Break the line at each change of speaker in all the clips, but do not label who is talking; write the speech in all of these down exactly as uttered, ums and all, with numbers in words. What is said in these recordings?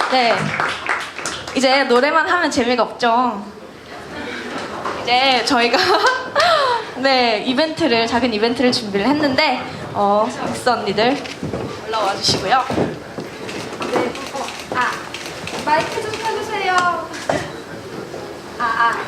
네. 이제 노래만 하면 재미가 없죠. 이제 저희가 네 이벤트를 작은 이벤트를 준비를 했는데 어 믹스 언니들 올라와 주시고요. 네. 어, 아 마이크 좀 켜주세요. 아 아.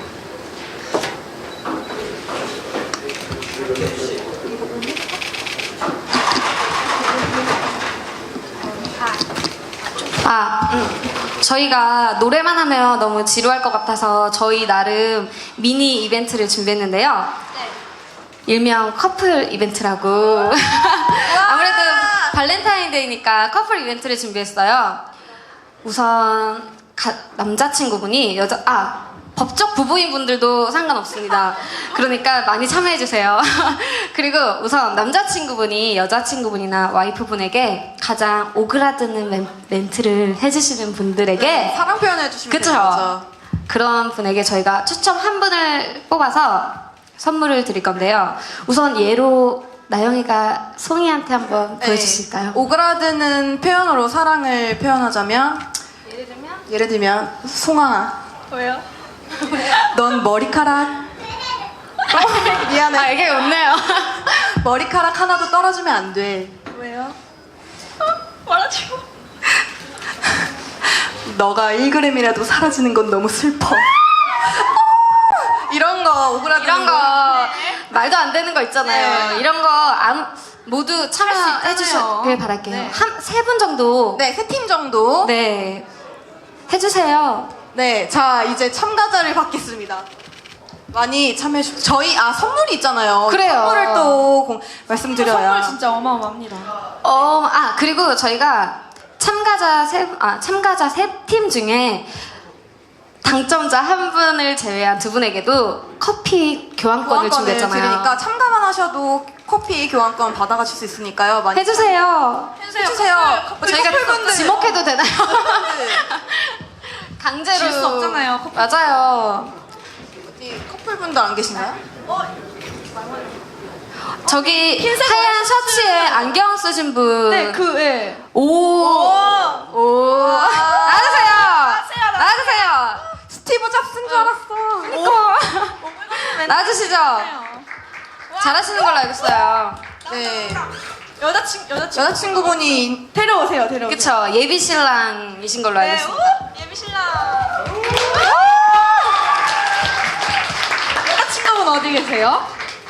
아, 음. 저희가 노래만 하면 너무 지루할 것 같아서 저희 나름 미니 이벤트를 준비했는데요.
네.
일명 커플 이벤트라고. 아무래도 발렌타인데이니까 커플 이벤트를 준비했어요. 우선 가, 남자친구분이 여자 아 법적 부부인 분들도 상관없습니다. 그러니까 많이 참여해주세요. 그리고 우선 남자친구분이 여자친구분이나 와이프분에게 가장 오그라드는 멘, 멘트를 해주시는 분들에게
네, 사랑 표현해 주시면
그쵸?
되는 거죠.
그런 분에게 저희가 추첨 한 분을 뽑아서 선물을 드릴 건데요. 우선 예로 나영이가 송이한테 한번
네.
보여주실까요?
오그라드는 표현으로 사랑을 표현하자면
예를 들면
예를 들면 송아,
왜요?
넌 머리카락 어, 미안해.
아 이게 웃네요.
머리카락 하나도 떨어지면 안 돼.
왜요? 말하지 마.
너가 일 그램이라도 사라지는 건 너무 슬퍼. 이런 거 오그라드는
이런 거 말도 안 되는 거 있잖아요.
네.
이런 거 아무, 모두 참여해 주시길 바랄게요.
네.
한 세 분 정도
네, 세 팀 정도.
네 해주세요.
네, 자 이제 참가자를 받겠습니다. 많이 참여해 주세요. 저희 아 선물이 있잖아요.
그래요.
선물을 또 공, 말씀드려야.
선물 진짜 어마어마합니다.
어, 아 그리고 저희가 참가자 세, 아 참가자 세 팀 중에 당첨자 한 분을 제외한 두 분에게도 커피 교환권을
교환권을
준비했잖아요.
드리니까 참가만 하셔도 커피 교환권 받아가실 수 있으니까요. 많이
해주세요.
해주세요. 우리
저희가
커플분들.
지목해도 되나요? 강제로
질수 없잖아요, 커플.
맞아요.
어디 커플분들 안 계신가요?
저기 하얀 셔츠에 안경 쓰신 분.
네, 그 예.
오. 오.
와.
나가세요.
나가세요,
나가세요.
스티브 잡스인 줄 알았어.
나와주시죠. 잘하시는 걸로 알고 있어요.
네.
여자친 여자친
여자친구분이
데려오세요, 데려오세요.
그쵸. 예비 신랑이신 걸로 알고
네,
있습니다.
우! 예비 신랑. 여자친구분 어디 계세요?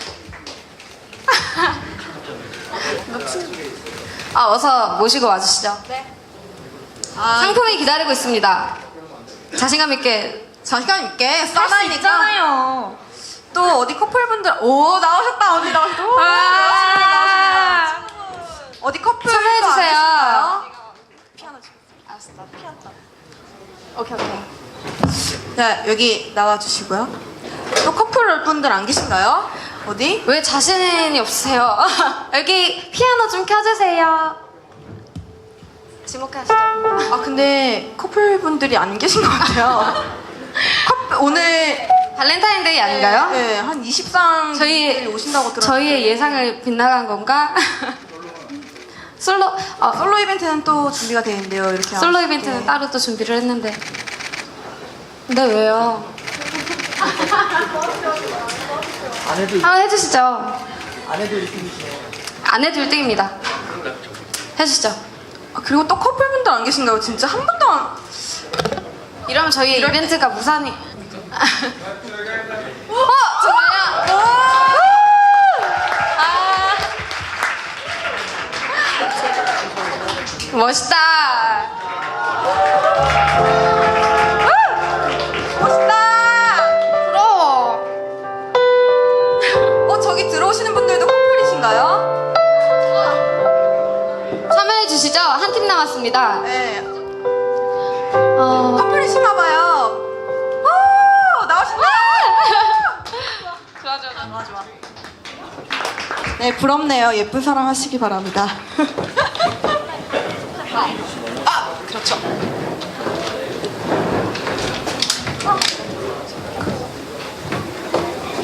아, 어서 모시고 와주시죠.
네.
아,
상품이 기다리고 있습니다. 자신감 있게.
자신감 있게
할 수
싸나이니까
있잖아요.
또 어디 커플분들 오 나오셨다 언니 나오셨다. 오,
와.
나오십니다, 나오십니다. 어디 커플
참여해주세요.
피아노 치고.
알았어.
오케이 오케이. 자 여기 나와주시고요. 또 커플 분들 안 계신가요? 어디?
왜 자신이 없으세요? 여기 피아노 좀 켜주세요. 지목하시죠.
아 근데 커플 분들이 안 계신 것 같아요. 커플 오늘
발렌타인데이 아닌가요?
네, 한 이십 상
저희
오신다고 들었는데
저희의 예상을 빗나간 건가? 솔로 어,
솔로 이벤트는 또 준비가 되어 있는데요. 이렇게
솔로
하시고.
이벤트는 따로 또 준비를 했는데. 근데 왜요? 한번 해주시죠.
아내도 일 등이시네요.
아내도 일 등입니다. 해주시죠.
아, 그리고 또 커플분들 안 계신가요? 진짜 한 분도 안...
이러면 저희 이벤트가 무산이. 어 정말요? 아 멋있다.
멋있다!
부러워.
어 저기 들어오시는 분들도 커플이신가요?
참여해 주시죠. 한 팀 남았습니다.
네
어...
커플이신가봐요. 오 나오신다!
좋아 좋아 좋아 좋아.
네 부럽네요. 예쁜 사랑 하시기 바랍니다. 아 그렇죠.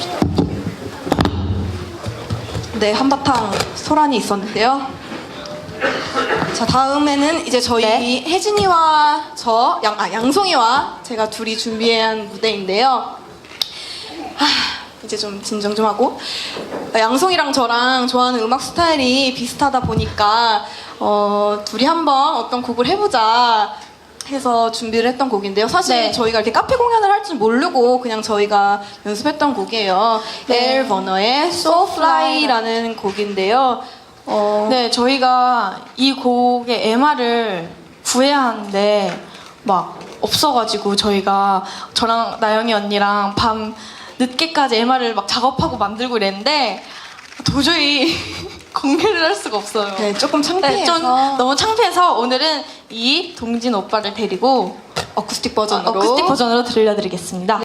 네 한바탕 소란이 있었는데요. 자, 다음에는 이제 저희
네.
혜진이와 저, 양, 아, 양송이와 제가 둘이 준비한 무대인데요. 하, 이제 좀 진정 좀 하고. 양송이랑 저랑 좋아하는 음악 스타일이 비슷하다 보니까 어, 둘이 한번 어떤 곡을 해보자 해서 준비를 했던 곡인데요. 사실
네.
저희가 이렇게 카페 공연을 할 줄 모르고 그냥 저희가 연습했던 곡이에요.
네.
에일 버너의 So Fly라는 곡인데요. 어,
네, 저희가 이 곡의 엠알을 구해야 하는데 막 없어가지고 저희가 저랑 나영이 언니랑 밤 늦게까지 엠알을 막 작업하고 만들고 이랬는데 도저히 공개를 할 수가 없어요.
네, 조금
네,
창피해서
좀 너무 창피해서 오늘은 이 동진 오빠를 데리고
어쿠스틱 버전으로
어쿠스틱 버전으로 들려드리겠습니다.